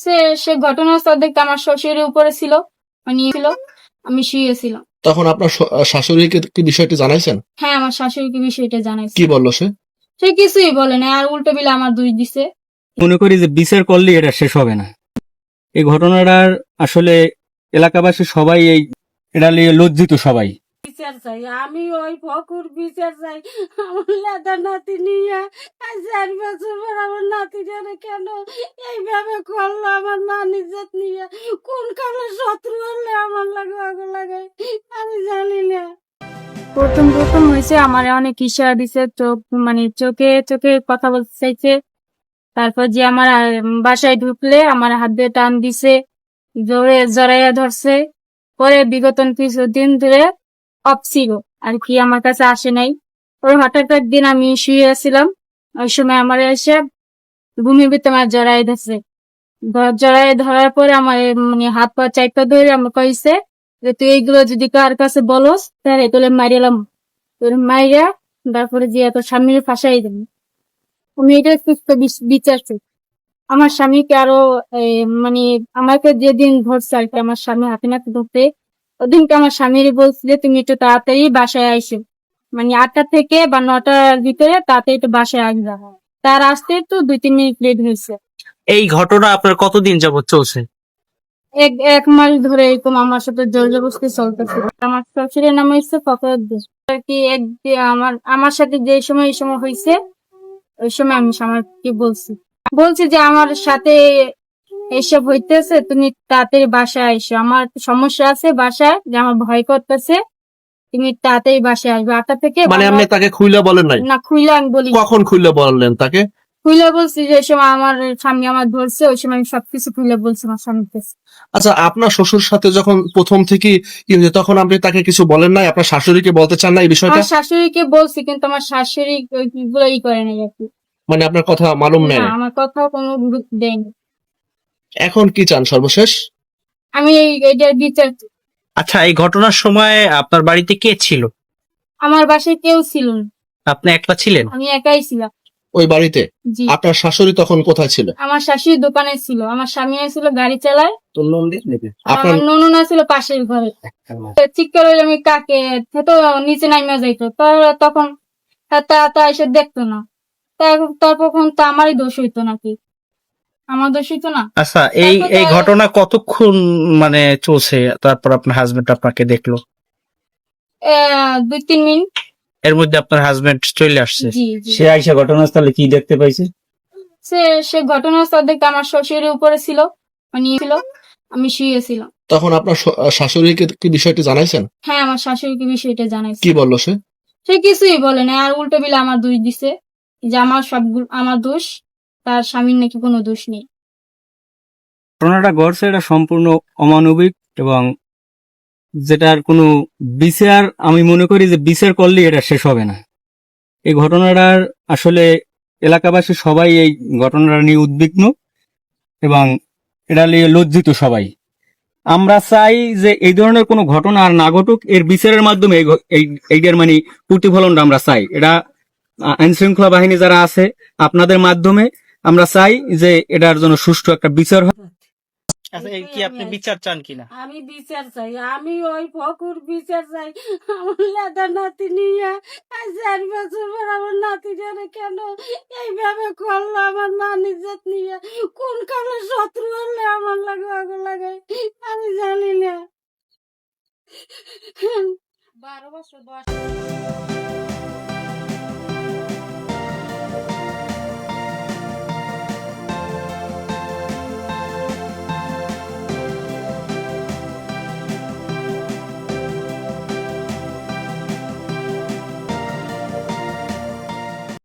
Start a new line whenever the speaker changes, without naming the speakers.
সে সে ঘটনাস্থল দেখতে আমার শ্বশুরের উপরে ছিল, আমি শুয়েছিলাম।
তখন আপনার শাশুড়িকে কি বিষয়টি জানাইছেন?
হ্যাঁ, আমার শাশুড়িকে বিষয়টা জানাইছি।
কি বললো সে?
সে কিছুই বলে না, আর উল্টো বিলে আমার দোষ দিছে।
মনে করি যে বিচার করলে এটা শেষ হবে না। এই ঘটনাটার আসলে এলাকাবাসী সবাই এটা নিয়ে লজ্জিত সবাই।
বিচার চাই, আমি ওই ফকুর বিচার চাই। আমার লেদা নাতি নিয়ে আজ 4 বছর পর আমার নাতিটারে কেন এইভাবে করলো? আমার মান ইজ্জত নিয়ে কোন কালে শত্রু হলে আমার লাগে আগুন লাগাই আমি জানি না।
প্রথম হয়েছে আমার অনেক ইশারা দিছে, চোখ মানে চোখে চোখে কথা বলতে চাইছে। তারপর যে আমার বাসায় ঢুকলে আমার হাত দিয়ে টান দিছে, জোরে জড়াইয়া ধরছে। পরে বিগত কিছুদিন ধরে অফ ছিল আর কি, আমার কাছে আসে নাই। ওর হঠাৎ একদিন আমি শুয়ে আছিলাম, ওই সময় আমার এসে ভূমির ভিতরে আমার জড়াই ধরছে। জড়াই ধরার পরে আমার মানে হাত পা চাইপা ধরে আমার কইছে যে তুই এইগুলো যদি কার কাছে বলস তাহলে তোলে মারিলাম। তোর মাইরা তারপরে যে এত স্বামীর ফাঁসাই দেন। আমি এটা সুস্থ বিচার চাই। আমার স্বামীকে আরো মানে আমাকে যেদিন ধরছে আর কি, আমার স্বামী হাতে নাতে ধরতে, ওদিনকে আমার স্বামীর বলছিল তুমি একটু তাড়াতাড়ি বাসায় আইসো, মানে 8টা থেকে বা 9টার ভিতরে তাড়াতাড়ি একটু বাসায় আসবা। তার আসতে তো 2-3 মিনিট লেট হয়েছে।
এই ঘটনা আপনার কতদিন যাবত চলছে?
এক মাস ধরে এরকম আমার সাথে জোর জবরদস্তি চলতেছে। আমার শ্বশুরের নাম হচ্ছে ফখরুদ্দিন আর কি। আমার সাথে যে সময় এই সময় হয়েছে ওই সময় আমি স্বামীকে বলছি যে আমার সাথে এইসব হইতেছে, তুমি তাড়াতাড়ি বাসায় আইসো, আমার সমস্যা আছে বাসায়, যে আমার ভয় করতেছে, তুমি তাড়াতাড়ি বাসায় আসবে 8টা থেকে।
মানে আপনি তাকে খুইলা বলেন নাই?
না, খুইলা আমি বলি।
কখন খুইলা বললেন তাকে?
খুইলা বলছি যে সময় আমার স্বামী আমার ধরছে, ওই সময় আমি সবকিছু খুইলা বলছি আমার স্বামীকে।
আচ্ছা, আপনার শ্বশুর সাথে যখন প্রথম থেকে কি হয়েছে তখন আপনি তাকে কিছু বলেন নাই? আপনার শাশুড়িকে বলতে চান না এই বিষয়টা?
আমার শাশুড়িকে বলছি, কিন্তু আমার শাশুড়ি ওইগুলো করে নাই আর কি।
মানে আপনার কথা মালুম নেই?
না, আমার কথাও কোনো গুরুত্ব দেয়নি।
এখন কি চান সর্বশেষ?
আমি এইটার বিচার চাই।
আচ্ছা, এই ঘটনার সময় আপনার বাড়িতে কে ছিল?
আমার বাসায় কেউ ছিল না,
আপনি একলা ছিলেন?
আমি একাই ছিলাম।
ওই বাড়িতে?
জি।
আপনার শাশুড়ি তখন কোথায় ছিল?
আমার শাশুড়ি দোকানে ছিল, আমার স্বামী ছিল গাড়ি চালায়,
আপনার
আমার নননা ছিল পাশের ঘরে। চিৎকার হইলে আমি কাকে তো নিচে নামিয়া যাইতো, তখন তা এসে দেখতো না। তারপর তো আমারই দোষ হইতো নাকি? আমার দোষ হইতো না।
আচ্ছা, এই ঘটনা কতক্ষণ মানে চলছে? তারপর আপনার হাজবেন্ড আপনাকে দেখলো?
2-3 মিনিট।
এর মধ্যে আপনার হাজবেন্ড চলে আসছে?
জি জি।
সে আইসা ঘটনাস্থলে কি দেখতে পাইছে?
সে ঘটনাস্থল দেখতে আমার শ্বশুরের উপরে ছিল, মানে আমি শুয়েছিলাম।
তখন আপনার শাশুড়িকে কি বিষয়টি জানাইছেন?
হ্যাঁ, আমার শাশুড়িকে বিষয়টা জানাইছি।
কি বললো সে?
সে কিছুই বলে না, আর উল্টো বিলে আমার দোষ দিছে, যে আমার সবগুলো আমার দোষ, তার স্বামীর নাকি কোনো দোষ নেই।
ঘটনাটা ঘটছে এটা সম্পূর্ণ অমানবিক এবং যেটার কোনো বিচার, আমি মনে করি যে বিচার করলে এটা শেষ হবে না। এই ঘটনাটার আসলে এলাকাবাসী সবাই এই ঘটনাটা নিয়ে উদ্বিগ্ন এবং এটা নিয়ে লজ্জিত সবাই। আমরা চাই যে এই ধরনের কোনো ঘটনা আর না ঘটুক, এর বিচারের মাধ্যমে এইটার মানে প্রতিফলনটা আমরা চাই। এটা আইন শৃঙ্খলা বাহিনী যারা আছে আপনাদের মাধ্যমে আমরা চাই যে এটার জন্য সুষ্ঠু একটা বিচার হয়।
আচ্ছা, এই কি আপনি বিচার চান কিনা?
আমি বিচার চাই, আমি ওই ফকুর বিচার চাই। আমার লেদা নাতি নিয়ে আজ 4 বছর পর আমার নাতিটারে কেন এইভাবে করলো? আমার মান ইজ্জত নিয়ে কোন কালে শত্রু হলে আমার লাগে আগুন লাগাই আমি জানি না। 12 বছর বয়স।